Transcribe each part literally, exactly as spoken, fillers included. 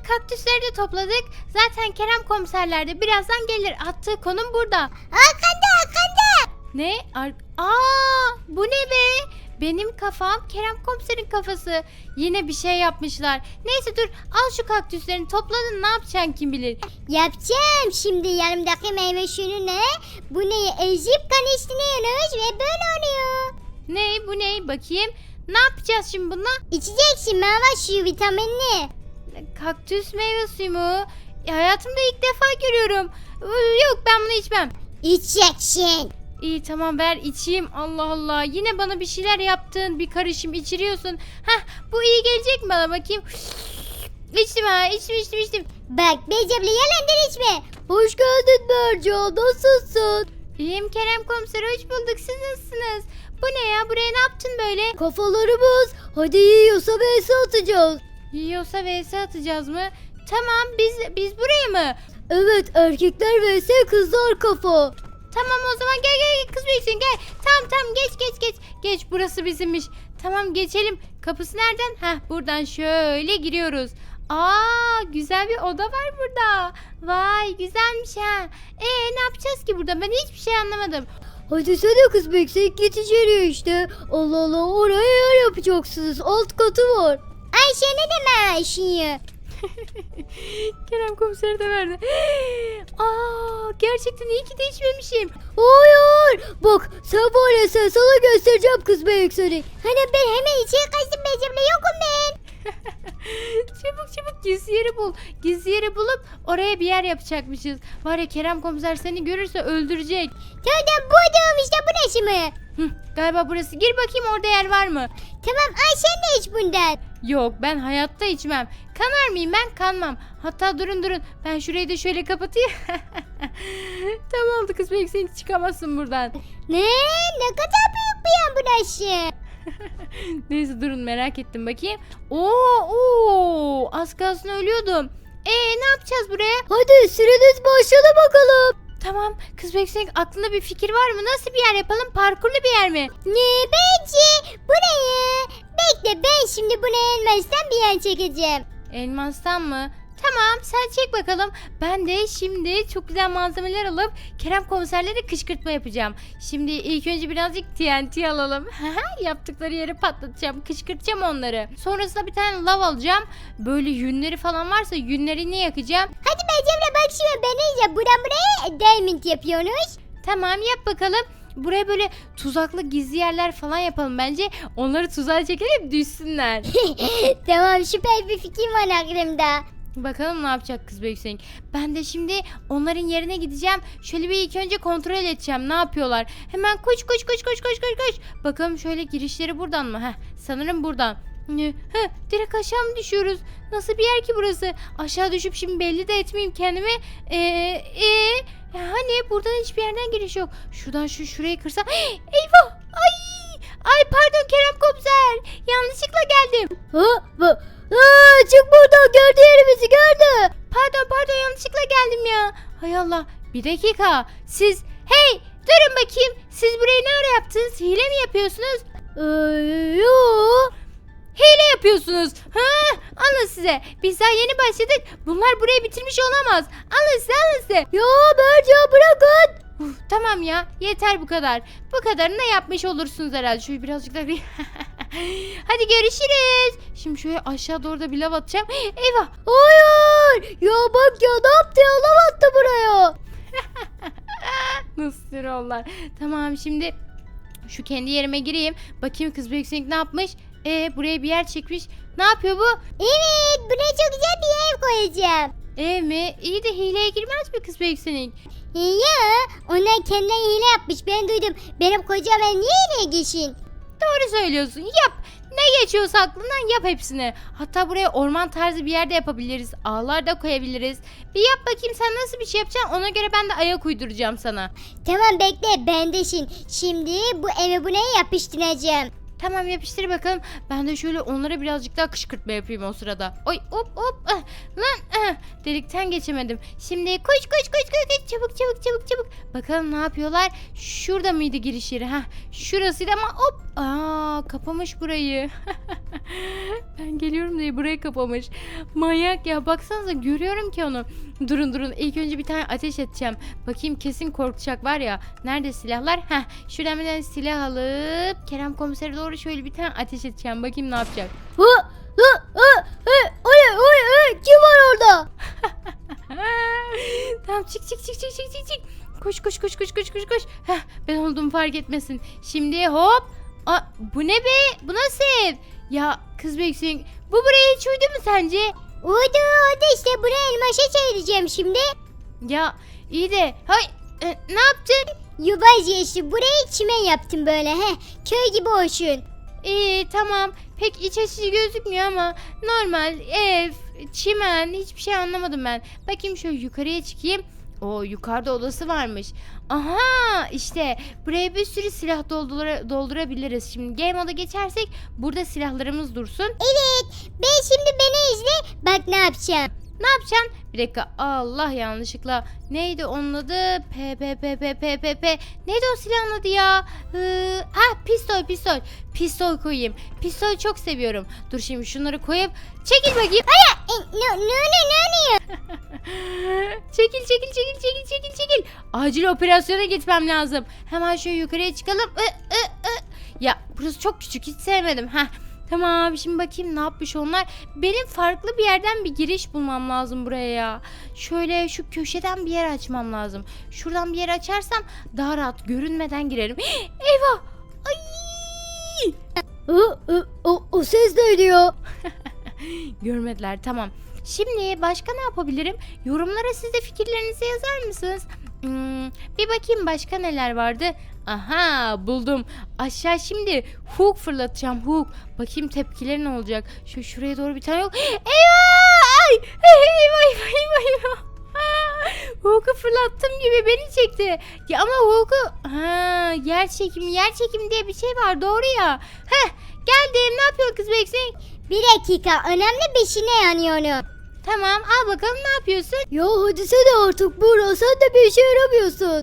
kaktüsleri de topladık. Zaten Kerem komiserler de birazdan gelir. Attığı konum burada. Arkanda arkanda. Ne? Ar Aa, bu ne be? Benim kafam Kerem komiserin kafası. Yine bir şey yapmışlar. Neyse dur, al şu kaktüslerini, topladın, ne yapacaksın kim bilir. Yapacağım şimdi yanımdaki meyve suyunu bu neyi ezip karıştırıyoruz ve böyle oluyor. Ne bu ne? Bakayım. Ne yapacağız şimdi bununla? İçeceksin meyve suyu vitaminli. Kaktüs meyve suyu mu? E, hayatımda ilk defa görüyorum. Iı, Yok, ben bunu içmem. İçeceksin. İyi tamam, ver içeyim. Allah Allah, yine bana bir şeyler yaptın, bir karışım içiriyorsun. Heh, bu iyi gelecek mi bana, bakayım. İçtim ha, içtim içtim içtim. Bak Becebli yalandan içme. Hoş geldin Berca, nasılsın? İyiyim Kerem komiser, hoş bulduk, siz nasılsınız? Bu ne ya, buraya ne yaptın böyle? Kafalarımız, hadi yiyorsa vs atacağız. Yiyorsa vs atacağız mı? Tamam, biz biz buraya mı? Evet, erkekler vs kızlar kafa. Tamam o zaman, gel gel gel, kız büyüksün, gel. Tamam tamam, geç geç geç. Geç, burası bizimmiş. Tamam, geçelim. Kapısı nereden? Heh, buradan şöyle giriyoruz. Aa, güzel bir oda var burada. Vay, güzelmiş ha. Ee ne yapacağız ki burada? Ben hiçbir şey anlamadım. Hadi sana kız beksek git içeriye işte. Allah Allah, oraya yer yapacaksınız. Alt katı var. Ayşe ne deme Ayşe'yi? Kerem komiser de verdi. Aa, gerçekten iyi ki de içmemişim. Hayır. Bak sen var ya, sen sana göstereceğim kız bekseni. Hani ben hemen içeri kaçtım Becebli, yokum ben. Çabuk çabuk gizli yeri bul. Gizli yeri bulup oraya bir yer yapacakmışız. Var ya, Kerem komiser seni görürse öldürecek. Tamam, buydum işte, burası mı? Hı, galiba burası. Gir bakayım, orada yer var mı? Tamam Ayşe ne iç bundan? Yok, ben hayatta içmem. Kanar mıyım ben? Kanmam. Hatta durun durun. Ben şurayı da şöyle kapatayım. Tamam oldu kız, belki sen hiç çıkamazsın buradan. Ne? Ne kadar büyük bir yan burası. Neyse durun, merak ettim bakayım. Oo, oo, az kalsın ölüyordum. Ee ne yapacağız buraya? Hadi süreniz başladı bakalım. Tamam kız, bekleyin, aklında bir fikir var mı? Nasıl bir yer yapalım? Parkurlu bir yer mi? Ne bence? Burayı. Bekle, ben şimdi bunu elmastan bir yer çekeceğim. Elmastan mı? Tamam, sen çek bakalım. Ben de şimdi çok güzel malzemeler alıp Kerem komiserlere kışkırtma yapacağım. Şimdi ilk önce birazcık T N T alalım. Yaptıkları yeri patlatacağım, kışkırtacağım onları. Sonrasında bir tane lav alacağım. Böyle yünleri falan varsa yünlerini yakacağım. Hadi Becemle bak şimdi, ben iyice buradan buraya diamond yapıyorsunuz. Tamam, yap bakalım. Buraya böyle tuzaklı gizli yerler falan yapalım bence. Onları tuzağa çekelim, düşsünler. Tamam, süper bir fikrim var aklımda. Bakalım ne yapacak kız büyüksek. Ben de şimdi onların yerine gideceğim. Şöyle bir ilk önce kontrol edeceğim. Ne yapıyorlar? Hemen koş koş koş koş koş koş koş. Bakalım şöyle, girişleri buradan mı? Heh, sanırım buradan. Heh, direkt aşağı mı düşüyoruz? Nasıl bir yer ki burası? Aşağı düşüp şimdi belli de etmeyeyim kendimi. Eee ee, hani buradan hiçbir yerden giriş yok. Şuradan şu şurayı kırsam. Eyvah! Ay! Ay pardon Kerem komiser. Yanlışlıkla geldim. Ha, ha, ha, çık buradan, gördü yerimizi, gördü. Pardon pardon, yanlışlıkla geldim ya. Hay Allah, bir dakika. Siz hey durun bakayım. Siz burayı ne ara yaptınız? Hile mi yapıyorsunuz? Ee, yoo. Hile yapıyorsunuz. Ha, alın size. Biz daha yeni başladık. Bunlar burayı bitirmiş olamaz. Alın size, alın size. Ya Berca bırakın. Uf, tamam ya, yeter bu kadar. Bu kadarını da yapmış olursunuz herhalde. Şöyle birazcık daha. Hadi görüşürüz. Şimdi şöyle aşağı doğru da bir lav atacağım. Eyvah. Hayır. Ya bak ya, ne yaptı ya, lav attı buraya. Nasıl troller. Tamam, şimdi şu kendi yerime gireyim. Bakayım kız büyüksek ne yapmış? E buraya bir yer çekmiş. Ne yapıyor bu? Evet, buraya çok güzel bir ev koyacağım. Ev mi? İyi de hileye girmez mi kız büyüksek? Ya onlar kendileri hile yapmış, ben duydum. Benim kocam ben niye hileye geçin? Doğru söylüyorsun. Yap. Ne geçiyorsa aklından yap hepsini. Hatta buraya orman tarzı bir yerde yapabiliriz. Ağlar da koyabiliriz. Bir yap bakayım, sen nasıl bir şey yapacaksın. Ona göre ben de ayak uyduracağım sana. Tamam bekle, bendesin. Şimdi bu evi buraya yapıştıracağım. Tamam, yapıştır bakalım. Ben de şöyle onlara birazcık daha kışkırtma yapayım o sırada. Oy hop hop. Ah, lan ah, delikten geçemedim. Şimdi koş koş koş koş koş çabuk çabuk çabuk çabuk. Bakalım ne yapıyorlar? Şurada mıydı giriş yeri? Heh, şurasıydı ama hop. Aa, kapamış burayı. Ben geliyorum diye burayı kapamış. Manyak ya, baksanıza görüyorum ki onu. Durun durun, ilk önce bir tane ateş edeceğim. Bakayım, kesin korkacak var ya. Nerede silahlar? Heh, şuradan bir tane silah alıp Kerem komisere doğru şöyle bir tane ateş edeceğim. Bakayım ne yapacak. Hı, hı, hı, hı, o ne, o ne, hı, kim var orada? Tamam, çık çık çık çık çık çık çık. Koş koş koş koş koş koş koş. Heh, ben olduğumu fark etmesin. Şimdi hop. Aa, bu ne be? Bu nasıl ev? Ya kız Beksin, bu buraya hiç uydu mu sence? Uydu uydu işte, buraya elmaşa çevireceğim şimdi. Ya iyi de hay e, ne yaptın? Yuvaz işte, burayı çimen yaptım böyle, he. Köy gibi olsun. İyi tamam, pek iç açıcı gözükmüyor ama normal ev, çimen, hiçbir şey anlamadım ben. Bakayım şöyle yukarıya çıkayım. O yukarıda odası varmış. Aha, işte buraya bir sürü silah doldura, doldurabiliriz. Şimdi game moda geçersek burada silahlarımız dursun. Evet, ben şimdi beni izle, bak ne yapacağım. Ne yapacaksın? Bir dakika, Allah, yanlışlıkla neydi onun adı? P P P P P P P neydi o silahın adı ya? Ee, ah, pistol pistol. Pistol koyayım. Pistol çok seviyorum. Dur şimdi şunları koyup çekil bakayım. E, ne, ne, ne, ne oluyor? Çekil çekil çekil çekil çekil çekil. Acil operasyona gitmem lazım. Hemen şöyle yukarıya çıkalım. Ü, ü, ü. Ya burası çok küçük, hiç sevmedim. Heh. Tamam, şimdi bakayım ne yapmış onlar. Benim farklı bir yerden bir giriş bulmam lazım buraya ya. Şöyle şu köşeden bir yer açmam lazım. Şuradan bir yer açarsam daha rahat görünmeden girerim. Eyvah! Ay! Hı, hı, o, o ses ne diyor? Görmediler, tamam. Şimdi başka ne yapabilirim? Yorumlara siz de fikirlerinizi yazar mısınız? Hmm, bir bakayım başka neler vardı. Aha, buldum. Aşağı şimdi hook fırlatacağım, hook. Bakayım tepkileri ne olacak. Şu şuraya doğru bir tane yok. Eyvah! Ay! Eyvah eyvah eyvah eyvah. Hook'u fırlattığım gibi beni çekti. Ya ama Hook'u ha, yer çekimi yer çekimi diye bir şey var, doğru ya. Heh, geldim. Ne yapıyor kız Beksin? Bir dakika, önemli bir şey ne yanıyor? Tamam, al bakalım, ne yapıyorsun? Ya hadi sen artık Buğra, sen de bir işe yaramıyorsun.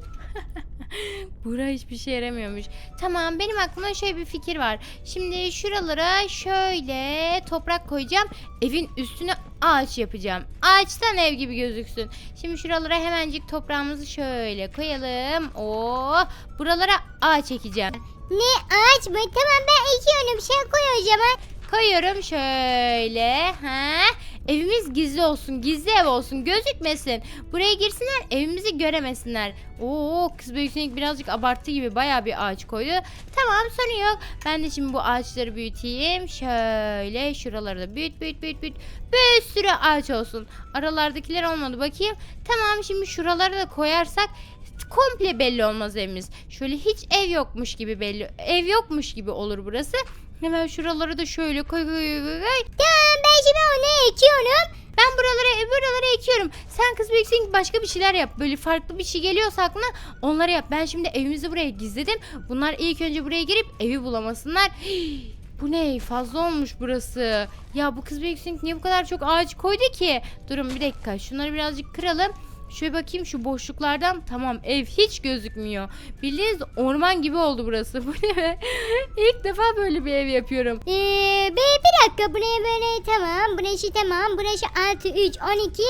Buğra hiçbir şey yaramıyormuş. Tamam, benim aklıma şöyle bir fikir var. Şimdi şuralara şöyle toprak koyacağım. Evin üstüne ağaç yapacağım. Ağaçtan ev gibi gözüksün. Şimdi şuralara hemencik toprağımızı şöyle koyalım. Oo, buralara ağaç ekeceğim. Ne, ağaç mı? Tamam, ben ekiyorum, sen koy o zaman. Koyuyorum şöyle. Ha? Evimiz gizli olsun, gizli ev olsun, gözükmesin. Buraya girsinler, evimizi göremesinler. Oo, kız büyüksünlük birazcık abarttı gibi, bayağı bir ağaç koydu. Tamam, sorun yok. Ben de şimdi bu ağaçları büyüteyim. Şöyle şuraları da büyüt büyüt büyüt büyüt. Bir sürü ağaç olsun. Aralardakiler olmadı, bakayım. Tamam, şimdi şuraları da koyarsak komple belli olmaz evimiz. Şöyle hiç ev yokmuş gibi belli. Ev yokmuş gibi olur burası. Hemen şuraları da şöyle koy koy koy koy. Tamam, ben şimdi onu ekiyorum. Ben buralara buralara ekiyorum. Sen kız büyüksün, başka bir şeyler yap. Böyle farklı bir şey geliyorsa aklına onları yap. Ben şimdi evimizi buraya gizledim. Bunlar ilk önce buraya girip evi bulamasınlar. Hii, bu ne? Fazla olmuş burası. Ya bu kız büyüksün niye bu kadar çok ağaç koydu ki? Durun bir dakika. Şunları birazcık kıralım. Şöyle bakayım şu boşluklardan. Tamam, ev hiç gözükmüyor. Bildiğiniz orman gibi oldu burası. Bu ne be? İlk defa böyle bir ev yapıyorum. Ee, be, bir dakika, buraya böyle tamam. Burası tamam. Burası altı, üç, on iki.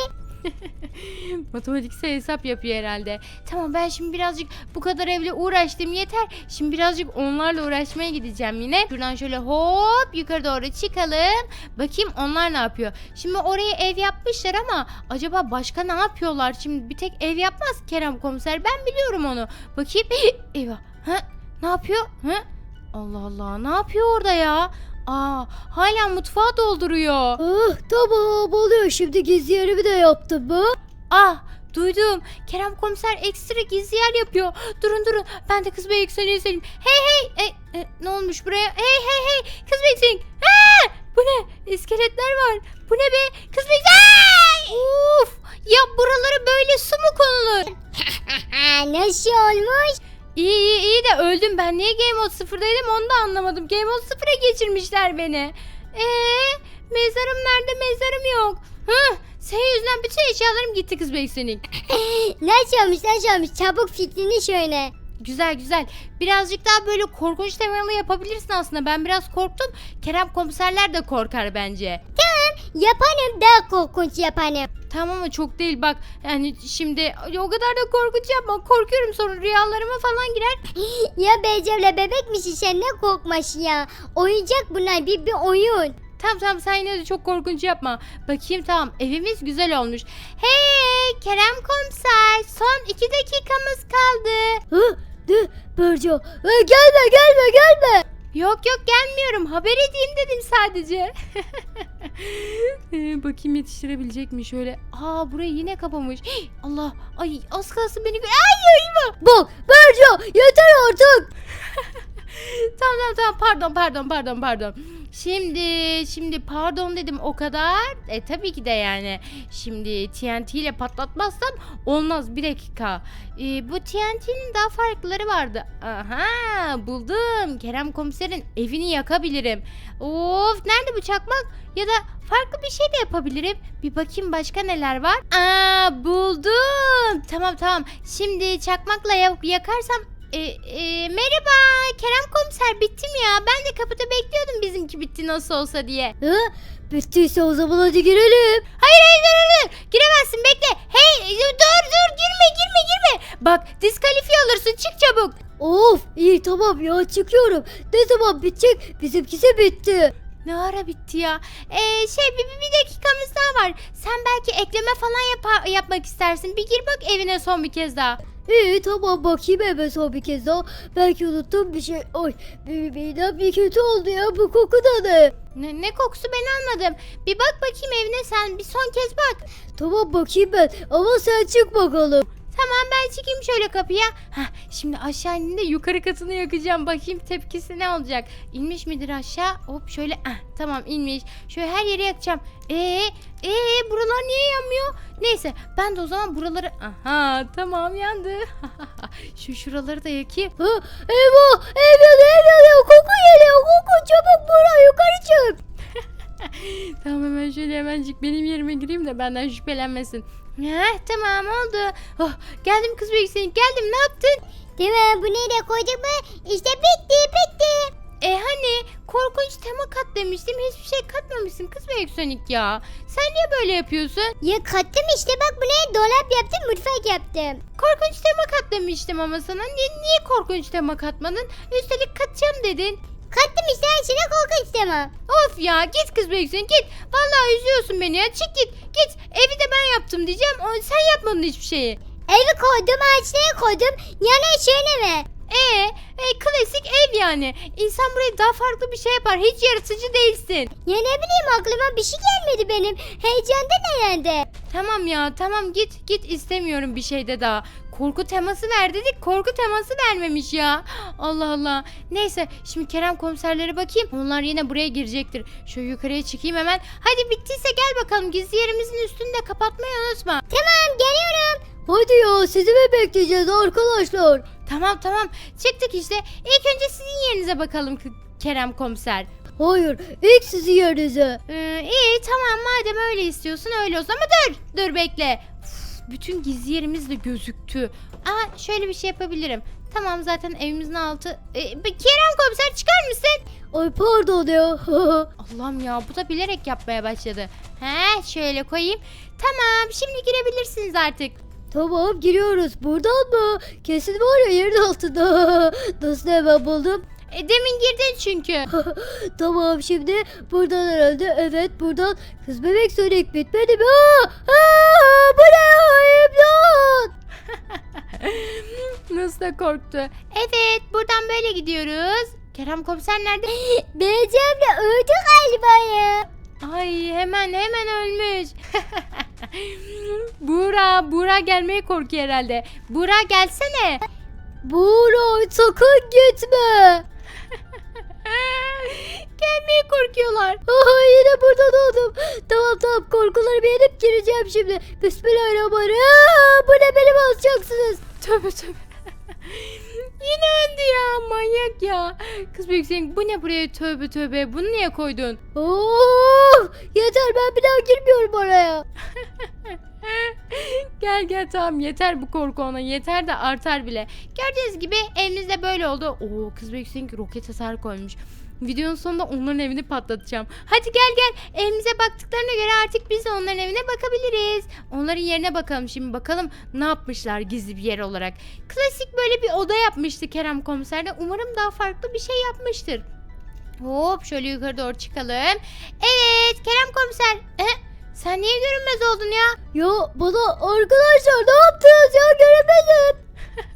Matematiksel hesap yapıyor herhalde. Tamam, ben şimdi birazcık bu kadar evle uğraştım, yeter. Şimdi birazcık onlarla uğraşmaya gideceğim yine. Şuradan şöyle hop yukarı doğru çıkalım. Bakayım onlar ne yapıyor. Şimdi oraya ev yapmışlar ama acaba başka ne yapıyorlar? Şimdi bir tek ev yapmaz Kerem komiser. Ben biliyorum onu. Bakayım. Eyvah. Ha? Ne yapıyor? Ha? Allah Allah. Ne yapıyor orada ya? Aa, hala mutfağı dolduruyor. Ah, tamam oluyor, şimdi gizli yerimi de yaptım mı? Ah, duydum. Kerem komiser ekstra gizli yer yapıyor. Durun durun. Ben de kız bey söyleyeyim söyleyeyim. Hey hey. E, e, ne olmuş buraya? Hey hey hey. Kız bey ha! Bu ne? İskeletler var. Bu ne be? Kız bey. Uf! Ya buralara böyle su mu konulur? Nasıl olmuş? İyi iyi iyi de öldüm. Ben niye Game Mode sıfırdaydım onu da anlamadım. Game Mode sıfıra geçirmişler beni. Eee mezarım nerede? Mezarım yok. Hı, Senin yüzünden bütün eşyalarım gitti kız Beksonik. Nasıl olmuş nasıl olmuş çabuk fikrini şöyle. Güzel güzel. Birazcık daha böyle korkunç temalı yapabilirsin aslında. Ben biraz korktum. Kerem komiserler de korkar bence. Yapanım daha korkunç yapanım. Tamam ama çok değil bak. Yani şimdi o kadar da korkunç yapma. Korkuyorum sonra rüyalarıma falan girer. Ya Beycevle bebek misin sen ne korkmaş ya. Oyuncak bunlar bir bir oyun. Tamam tamam sen yine de çok korkunç yapma. Bakayım tamam evimiz güzel olmuş. Hey Kerem komiser son iki dakikamız kaldı. Hı? De Berca. Ha, gelme gelme gelme. Yok yok gelmiyorum haber edeyim dedim sadece. Ee, bakayım yetiştirebilecek mi şöyle. Aa burayı yine kapamış. Hii, Allah ay az kalsın beni. gö- Ay eyvah. Bak Berca yeter artık. Tamam tamam tamam pardon pardon pardon pardon. Şimdi şimdi pardon dedim o kadar. E tabii ki de yani. Şimdi T N T ile patlatmazsam olmaz bir dakika. E, bu T N T'nin daha farklıları vardı. Aha buldum. Kerem komiserin evini yakabilirim. Of nerede bu çakmak? Ya da farklı bir şey de yapabilirim. Bir bakayım başka neler var. Aa buldum. Tamam tamam. Şimdi çakmakla yak- yakarsam e, e, merhaba Kerem komiser bittim ya. Ben de kapıda bekliyordum bizimki bitti nasıl olsa diye. Hı? Bittiyse o zaman hadi girelim. Hayır hayır dur dur dur. Giremezsin bekle. Hey dur dur girme girme girme. Bak diskalifiye olursun çık çabuk. Of iyi tamam ya çıkıyorum. Ne zaman bitecek? Bizimkisi bitti. Ne ara bitti ya? Ee, şey bir, bir bir dakikamız daha var. Sen belki ekleme falan yapa- yapmak istersin. Bir gir bak evine son bir kez daha. İyi tamam bakayım eve son bir kez daha. Belki unuttum bir şey. Oy bir midem bir kötü oldu ya bu koku da ne? Ne, ne kokusu ben anladım. Bir bak bakayım evine sen bir son kez bak. Tamam bakayım ben ama sen çık bakalım. Tamam ben çıkayım şöyle kapıya. Hah, şimdi aşağı indiğinde yukarı katını yakacağım. Bakayım tepkisi ne olacak. İnmiş midir aşağı? Hop şöyle. Ah, tamam inmiş. Şöyle her yere yakacağım. Ee, ee buralar niye yanmıyor? Neyse ben de o zaman buraları... Aha tamam yandı. Şu şuraları da yakayım. Ha, eyvah ev yanıyor ev yanıyor koku geliyor koku çabuk buraya yukarı çık. Tamam hemen şöyle hemencik benim yerime gireyim de benden şüphelenmesin. Heh, tamam oldu. Oh, geldim kız büyüksün geldim ne yaptın? Tamam bu nereye koyduk mu? İşte bitti bitti. E hani korkunç tema kat demiştim hiçbir şey katmamışsın kız Büyüksönük ya. Sen niye böyle yapıyorsun? Ya kattım işte bak buraya dolap yaptım mutfak yaptım. Korkunç tema kat demiştim ama sana. Niye, niye korkunç tema katmadın? Üstelik katacağım dedin. Kattım işte her şeyine korkunç tema. Of ya git kız Büyüksönük git. Vallahi üzüyorsun beni ya çık git. Git evi de ben yaptım diyeceğim. O, sen yapmadın hiçbir şeyi. Evi koydum ağaçlara koydum. Yana şöyle mi? Ee, e, klasik ev yani. İnsan buraya daha farklı bir şey yapar. Hiç yaratıcı değilsin. Ya ne bileyim aklıma bir şey gelmedi benim. Heyecandan herhalde. Tamam ya tamam git git istemiyorum bir şey de daha. Korku teması ver dedik korku teması vermemiş ya. Allah Allah. Neyse şimdi Kerem komiserlere bakayım. Onlar yine buraya girecektir. Şu yukarıya çıkayım hemen. Hadi bittiyse gel bakalım gizli yerimizin üstünü de kapatmayı unutma. Tamam geliyorum. Hadi ya sizi mi bekleyeceğiz arkadaşlar? Tamam tamam çıktık işte. İlk önce sizin yerinize bakalım K- Kerem komiser. Hayır ilk sizi yerinize. Ee, iyi tamam madem öyle istiyorsun öyle olsun ama dur dur bekle. Uf, bütün gizli yerimiz de gözüktü. Aa şöyle bir şey yapabilirim. Tamam zaten evimizin altı. Ee, bir Kerem komiser çıkar mısın? Ay pardon ya. Allah'ım ya bu da bilerek yapmaya başladı. He şöyle koyayım. Tamam şimdi girebilirsiniz artık. Tamam giriyoruz. Buradan mı? Kesin var ya yerin altında. Nasıl hemen buldum? E, demin girdin çünkü. Tamam şimdi buradan herhalde. Evet buradan. Kız bebek Sonic bitmedi mi? Aa, aa, bu ne? İmdat! Nasıl da korktu. Evet buradan böyle gidiyoruz. Kerem komiser nerede? Beyeceğimle öldü galiba ya. Ay hemen hemen ölmüş. Buğra, Buğra gelmeye korkuyor herhalde. Buğra gelsene. Buğra sakın gitme. Gelmeye korkuyorlar. Aha yine buradan oldum. Tamam tamam korkularımı yenip gireceğim şimdi. Bismillahirrahmanirrahim. Aa, bu ne beni basacaksınız. Tövbe tövbe. Yine öldü ya manyak ya. Kız büyük bu ne buraya tövbe tövbe bunu niye koydun? Oh, yeter ben bir daha girmiyorum oraya. Gel gel tamam yeter bu korku ona yeter de artar bile. Gördüğünüz gibi evimizde böyle oldu. Oo kız Beksin roket hasar koymuş. Videonun sonunda onların evini patlatacağım. Hadi gel gel evimize baktıklarına göre artık biz de onların evine bakabiliriz. Onların yerine bakalım şimdi bakalım ne yapmışlar gizli bir yer olarak. Klasik böyle bir oda yapmıştı Kerem komiserde. Umarım daha farklı bir şey yapmıştır. Hop şöyle yukarı doğru çıkalım. Evet Kerem komiser. E, sen niye görünmez oldun ya? Ya bana arkadaşlar ne yaptınız ya göremedim.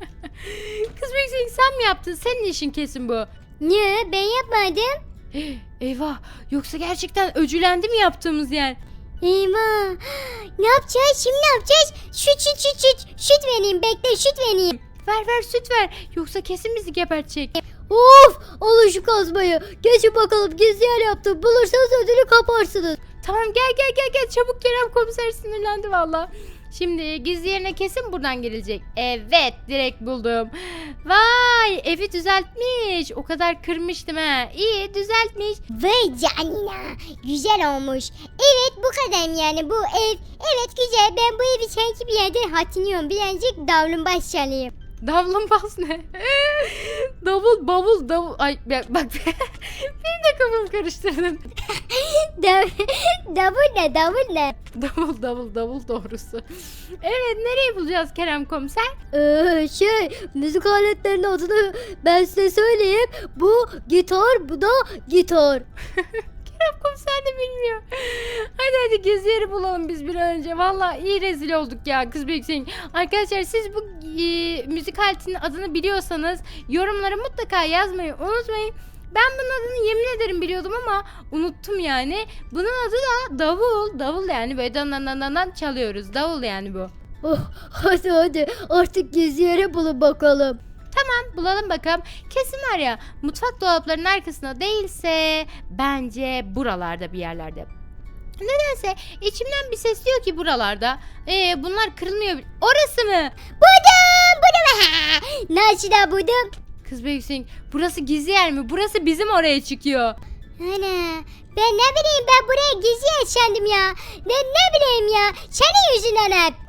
Kız Beksin sen mi yaptın? Senin işin kesin bu. Niye ben yapmadım? Eyvah yoksa gerçekten öcülendi mi yaptığımız yer? Eyvah. Ne yapacağız şimdi ne yapacağız? Şut şut şut şut. Şut vereyim bekle şut vereyim. Ver ver süt ver yoksa kesin bizi gebertecek. Of alın şu kazmayı. Geçin bakalım gizli yer yaptım. Bulursanız ödülü kaparsınız. Tamam gel gel gel gel çabuk Kerem komiser sinirlendi valla. Şimdi gizli yerine kesin buradan girilecek. Evet direkt buldum. Vay evi düzeltmiş. O kadar kırmıştım ha. İyi düzeltmiş. Vay canına. Güzel olmuş. Evet bu kadar yani bu ev. Evet güzel ben bu evi sanki bir yerden hatırlıyorum. Birazcık davlumbaz çalayım. Davlumbaz ne? Davul bavul davul. Ay bak bak. Benim de kafamı karıştırdın. Dav- davul ne davul ne? Davul davul davul doğrusu. Evet nereye bulacağız Kerem komiser? Ee, şey müzik aletlerinin adını ben size söyleyeyim. Bu gitar bu da gitar. Kerem komiser de bilmiyor. Hadi hadi gizli yeri bulalım biz bir an önce. Valla iyi rezil olduk ya kız büyüksün. Arkadaşlar siz bu e, müzik aletinin adını biliyorsanız yorumlara mutlaka yazmayı unutmayın. Ben bunun adını yemin ederim biliyordum ama unuttum yani. Bunun adı da davul. Davul yani böyle dan dan dan dan dan çalıyoruz. Davul yani bu. Oh, hadi hadi artık gizli yere bulun bakalım. Tamam bulalım bakalım. Kesin var ya mutfak dolaplarının arkasında değilse bence buralarda bir yerlerde. Nedense içimden bir ses diyor ki buralarda. Ee, bunlar kırılmıyor. Orası mı? Buldum buldum. Nasıl da buldum? Kız Büyüksün burası gizli yer mi? Burası bizim oraya çıkıyor. Ana ben ne bileyim ben buraya gizli yer sandım ya. Ben ne bileyim ya. Senin yüzünden hep.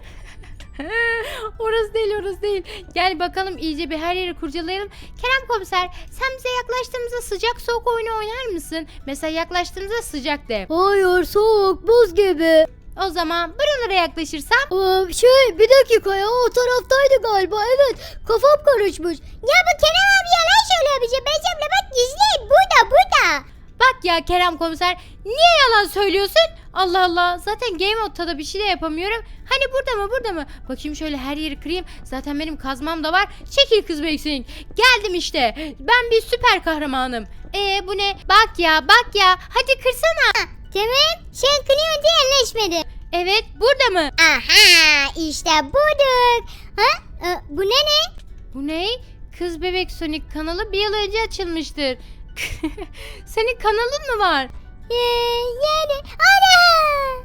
Orası değil orası değil. Gel bakalım iyice bir her yeri kurcalayalım. Kerem komiser sen bize yaklaştığımızda sıcak soğuk oyunu oynar mısın? Mesela yaklaştığımızda sıcak de. Hayır soğuk buz gibi. O zaman buralara yaklaşırsam. Aa, şey bir dakika ya o taraftaydı galiba evet kafam karışmış. Ya bu Kerem abi yalan söylüyor bize. Becemle bak gizli burada burada. Bak ya Kerem komiser niye yalan söylüyorsun? Allah Allah zaten game modda da bir şey de yapamıyorum. Hani burada mı burada mı? Bakayım şöyle her yeri kırayım. Zaten benim kazmam da var. Çekil kız Beksin. Geldim işte. Ben bir süper kahramanım. Ee bu ne? Bak ya bak ya. Hadi kırsana. Tamam sen kınıyorsun diye yerleşmedi. Evet burada mı? Aha işte bulduk. Ha? Ee, bu ne ne? Bu ne? Kız Bebek Sonic kanalı bir yıl önce açılmıştır. Senin kanalın mı var? Ee, yani ana.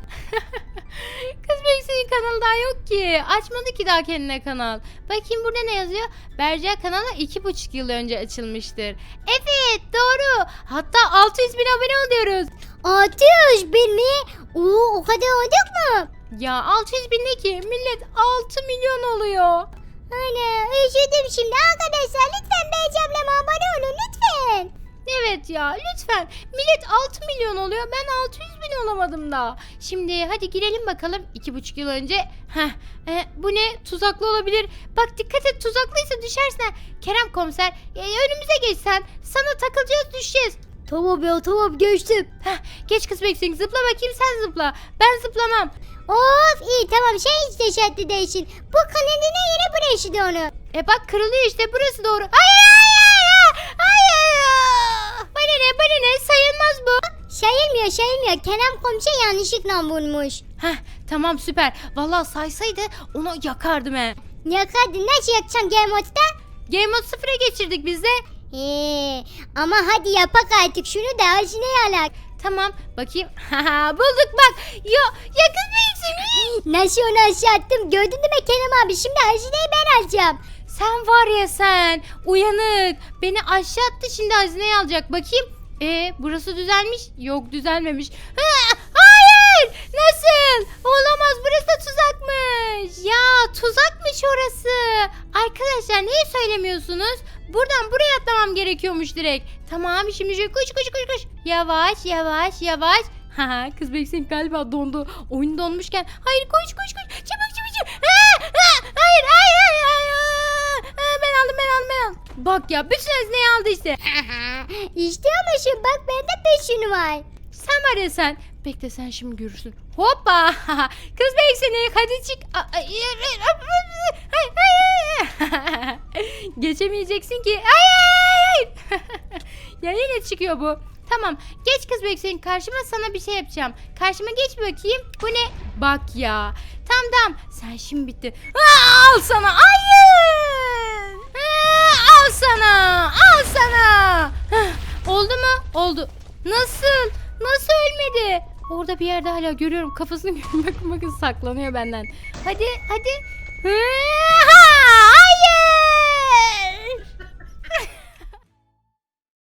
Kız Beksin'in kanalı daha yok ki. Açmadı ki daha kendine kanal. Bakayım burada ne yazıyor? Berca kanalı iki buçuk yıl önce açılmıştır. Evet doğru. Hatta altı yüz bin abone oluyoruz. altı yüz bin mi? Oo, o kadar olduk mu? Ya altı yüz bin ne ki? Millet altı milyon oluyor. Ana üzüldüm şimdi arkadaşlar lütfen Becem'le abone olun lütfen. Evet ya lütfen. Millet altı milyon oluyor. Ben altı yüz bin olamadım daha. Şimdi hadi girelim bakalım. iki buçuk yıl önce. Heh, e, bu ne? Tuzaklı olabilir. Bak dikkat et tuzaklıysa düşersin. ha. Kerem komiser e, önümüze geçsen. Sana takılacağız düşeceğiz. Tamam ya tamam geçtim. Heh, geç kız Beksin zıpla bakayım sen zıpla. Ben zıplamam. Of iyi tamam şey hiç teşekkür değilsin. Bu kanadına yere burası da onu. E bak kırılıyor işte burası doğru. Hayır hayır hayır. Hayır. Bana ne bana ne sayılmaz bu. Sayılmıyor sayılmıyor. Kerem komiser yanlışlıkla vurmuş. Heh tamam süper. Vallahi saysaydı onu yakardım he. Yakardın nasıl yakacaksın Game Mode'da? Game Mode sıfıra geçirdik biz de. Ee, ama hadi yapak artık şunu da ağzına yalak. Tamam bakayım. Haha bulduk bak. Ya yakın mıyım? Nasıl onu aşağı attım gördün değil mi Kerem abi şimdi hazineyi ben alacağım. Sen var ya sen. Uyanık. Beni aşağı attı şimdi hazineyi alacak. Bakayım. E burası düzelmiş. Yok düzelmemiş. Ha, hayır. Nasıl? Olamaz burası da tuzakmış. Ya gelemiyorsunuz? Buradan buraya atlamam gerekiyormuş direkt. Tamam şimdi şöyle koş koş koş koş. Yavaş yavaş yavaş. Haha kız beksin galiba dondu. Oyun donmuşken. Hayır koş koş koş. Çabuk çabuk çabuk. Aa, aa, hayır hayır hayır. hayır. Aa, ben aldım ben aldım ben aldım. Bak ya bütün hazneyi aldı işte. işte ama şu bak bende beş yünü var. Sen var ya sen. Bekle sen şimdi görürsün. Hoppa. Kız beksin hadi çık. Hayır hayır. Geçemeyeceksin ki. Hayır. Ya yine çıkıyor bu. Tamam geç kız bekleyin karşıma sana bir şey yapacağım. Karşıma geç bakayım. Bu ne? Bak ya. Tamam tamam. Sen şimdi bitti. Aa, al sana. Hayır. Aa, al sana. Al sana. Hah, oldu mu? Oldu. Nasıl? Nasıl ölmedi? Orada bir yerde hala görüyorum. Kafasını bakın bakın saklanıyor benden. Hadi hadi. Ha, hayır.